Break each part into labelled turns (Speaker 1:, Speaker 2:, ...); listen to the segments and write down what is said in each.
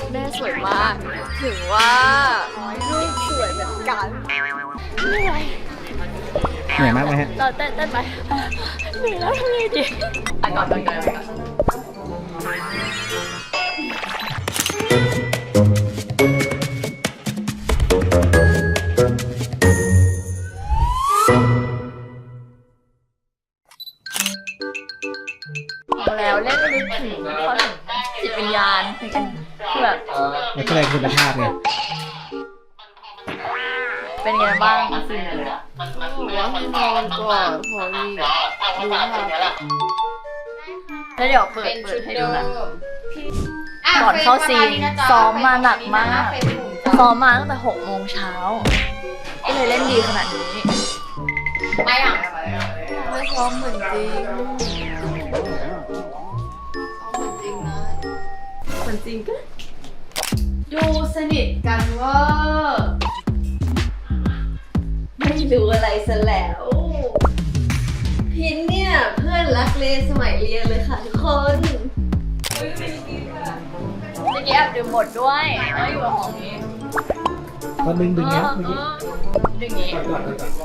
Speaker 1: แม่สวยมากถึงว่าลูกสวยเหมือนกันไม่ไหว
Speaker 2: เหนื่อยมากไหมฮะ
Speaker 1: เราเต้นไปเหนื่อยแล้วทำไงดีก่อนแล้วเล่นลึกถึงเขาถึงจิตวิญญาณคือแบบ
Speaker 2: แล้วก็เลยคุณภาพไง
Speaker 1: เป็นไงบ้างสิ
Speaker 3: ว่าให้นอนก่อนพอดีดูภาพ
Speaker 1: แล้วเดี๋ยวเปิดให้ดูนะก่อนเข้าซีนซ้อมมาหนักมากซ้อมมาตั้งแต่6 โมงเช้าก็เลยเล่นดีขนาดนี้
Speaker 3: ไม่ซ้อมเหมือนจริงเหมือนจริงก็ดูสนิทกันเวอร์ไม่รู้อะไรซะแล้วพินเนี่ยเพื่อนรักเลสมัยเรียนเลยค่ะทุกคน
Speaker 1: เมื่อกี้แอบดื่มหมดด้วยแล้วอยู่กับของนี้
Speaker 2: ก็ดึงเนี้ยเมื่อกี้
Speaker 1: ดึงนี้ก่อน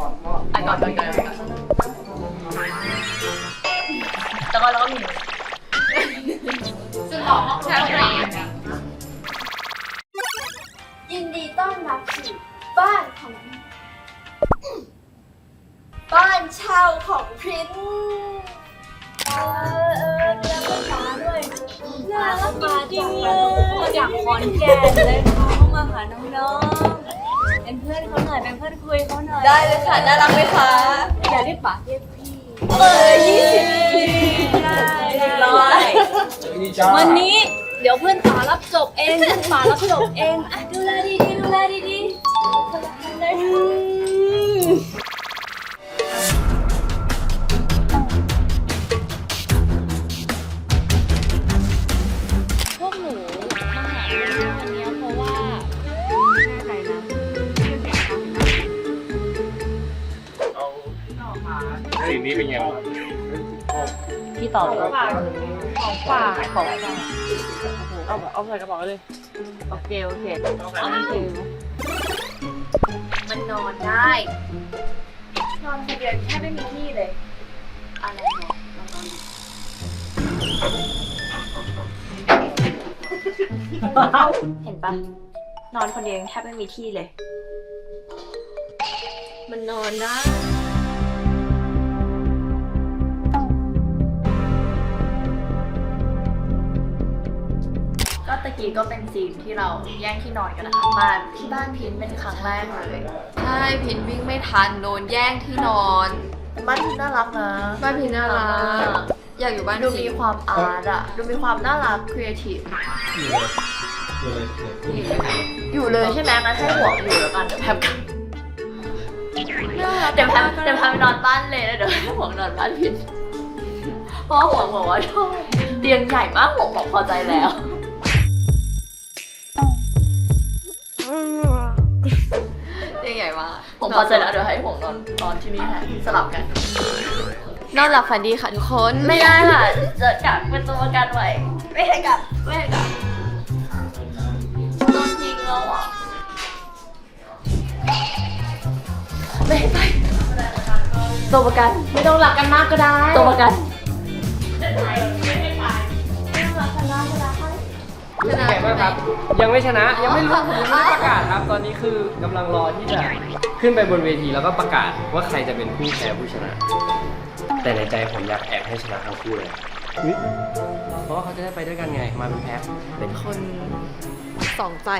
Speaker 1: แล้วก็มี
Speaker 3: สุดหล่อห้องแถวไหน
Speaker 4: ยินดีต้อนรับสู่บ้านของบ้านเช่าของพริ้นเลี้ยงลูกค้าด้วยน่ารักมาจริงเลยจากขอนแก่นเลยเขามาหาน้องๆเป็นเพื่อนเขาหน่อยเป็นเพื่อนคุยเขาหน่อย
Speaker 3: ได้เลยค่ะน่ารักไหมคะ
Speaker 4: อย่าเรียกป๋าเรียกพี่
Speaker 3: 20
Speaker 4: ได้วันนี้เดี๋ยวเพื่อนป๋ารับจบเองเพื่อนป๋ารับจบเองอ่ะดูแลดีๆดูแลดีพวกหนูมาหาเรื่องวันนี้เพราะว่าแน่ใจนะ
Speaker 2: สิ่งนี้เป็นไงบ้าง
Speaker 1: พี่ต่อเลย
Speaker 3: ของฝากเอาใส่กระเป๋าเลย
Speaker 1: โอเคเอาไม่ถึง
Speaker 4: มันนอนได้นอนคนเดียวแค่ไม่มีที่เลยอะไรเนาะนอน
Speaker 1: เห็นปะนอนคนเดียวแทบไม่มีที่เลย
Speaker 3: มันนอนได้
Speaker 1: ก็ตะกี้ก็เป็นซีนที่เราแย่งที่นอนกันนะคะมาที่บ้านพินเป็นครั้งแรกเลย
Speaker 3: ใช่พินวิ่งไม่ทันโดนแย่งที่นอน
Speaker 1: บ้านพินน่ารักนะ
Speaker 3: บ้านพินน่ารักอยากอยู่บ้าน
Speaker 1: ดู
Speaker 3: พิ
Speaker 1: มี
Speaker 3: น
Speaker 1: ความอาร์ตอะดูมีความน่ารักครีเอทีฟอยู่เลยใช่ไหมงั้นให้ห่วงอยู่แล้วกันเดี๋ยวแพมกันเดี๋ยวแพมไปนอนบ้านเลยแล้วเดี๋ยวให้ห่วงนอนบ้านพินเพราะห่วงบอกว่าชอบเตียงใหญ่มากห่วงบอกพอใจแล้ว
Speaker 3: เตียงใหญ่มาก
Speaker 1: ผมพอใจแล้วเดี๋ยวให้ห่วงนอนที่นี่แทนสลับกัน
Speaker 3: นอนหลับฝันดีค่ะทุกคน
Speaker 1: ไม่ได้ค่ะจะกลับเป็นตัวประกันไว้ไม่ให้กลับโดนทิ้งแล้วอ่ะไม่ให้ไปตัวประกัน
Speaker 3: ไม่ต้องรักกันมากก็ได้
Speaker 1: ตัวประกัน
Speaker 3: ชนะ
Speaker 5: แข่งมากครับ ยังไม่ชนะ ยังไม่รู้ผมยังไม่ได้ประกาศครับ ตอนนี้คือกำลังรอที่จะขึ้นไปบนเวทีแล้วก็ประกาศว่าใครจะเป็นผู้แพ้ผู้ชนะ แต่ในใจผมอยากแอบให้ชนะทั้งคู่เลย เพราะว่าเขาจะได้ไปด้วยกันไง มาเป็นแพ็ค
Speaker 3: เป็นคนสองใจ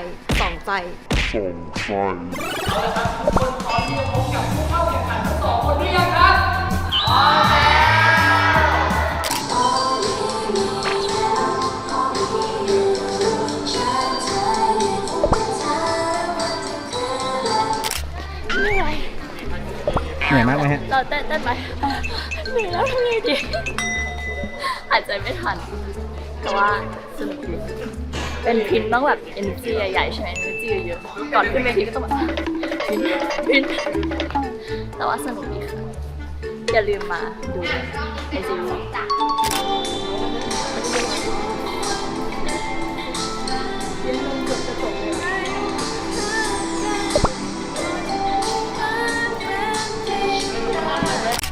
Speaker 2: เหนื่อยมากไหมฮะ
Speaker 1: เราเต้นไปเหนื่อยแล้วทำไงดีหายใจไม่ทันแต่ว่าสนุกดีเป็นพินต้องแบบ energy ใหญ่ๆใช่ไหม energy เยอะๆก่อนขึ้นเวทีก็ต้องแบบพินแต่ว่าสนุกดีค่ะอย่าลืมมาดูในซีรีส์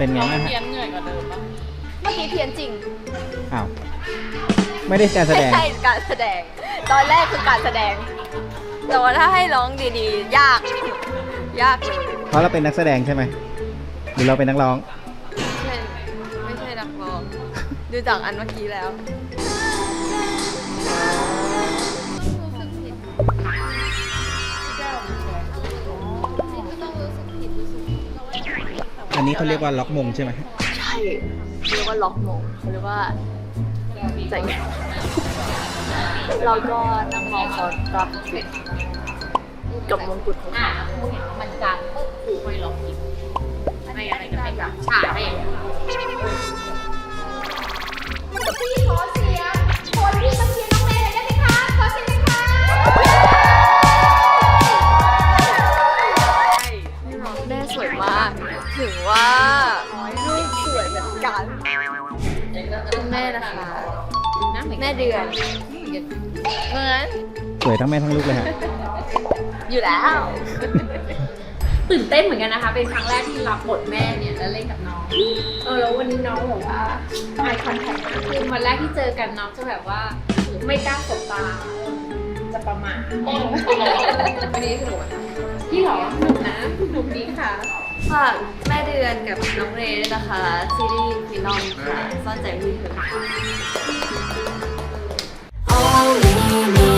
Speaker 2: เป็นไงบ้างฮะ
Speaker 1: เพี้ยนเหนื่อยกว่าเดิมปะเมื่อกี้เพี้ยนจริง
Speaker 2: อ้าวไม่ได้การแสดง
Speaker 1: ไม่ใช่การแสดง ตอนแรกคือการแสดง แต่ว่าถ้าให้ร้องดีๆ ยาก ยากเลย
Speaker 2: เพราะเราเป็นนักแสดงใช่ไหมหรือเราเป็นนักร้อง
Speaker 1: ไม่ใช่นักร้อง ดูจากอันเมื่อกี้แล้ว
Speaker 2: อันนี้เขาเรียกว่าล็อกมงใช่ไหม
Speaker 1: ใช่เขาเรียกว่าล็อกมงเขาเรียกว่าใจเย็นเราก็นั่งมองเขารับผิดกับมงกุฎของเขามันจางปุ๊บคือไม่ล็อกอีกไม่อะไรก็ไม่กลับฉากให้อย่างนี้พี่ขอเสียงคนที่มาเชียร์น้องเมย์ได้ไหมคะขอเสียงหน่อยค่ะแม่สวยมาก ถึงว่าลูกสวยเหมือนกันแม่นะคะแม่เดือนเหมือน
Speaker 2: สวยทั้งแม่ทั้งลูกเลยฮะ
Speaker 1: อยู่แล้ว
Speaker 6: ตื่นเต้นเหมือนกันนะคะ เป็นครั้งแรกที่รับบทแม่เนี่ยแล้วเล่นกับน้อง แล้ววันนี้น้องแบบว่า eye contact มากคือวันแรกที่เจอกันน้องจะแบบว่าไม่กล้าสบตา จะประมาทวันนี้สนุกไหมพี่หรอสนุกนะสนุกดีค่ะ
Speaker 1: ฝากแม่เดือนกับน้องเรย์ด้วยนะคะ ซีรีส์ฟินอลค่ะซ่อนใจมือเธอ
Speaker 4: Only me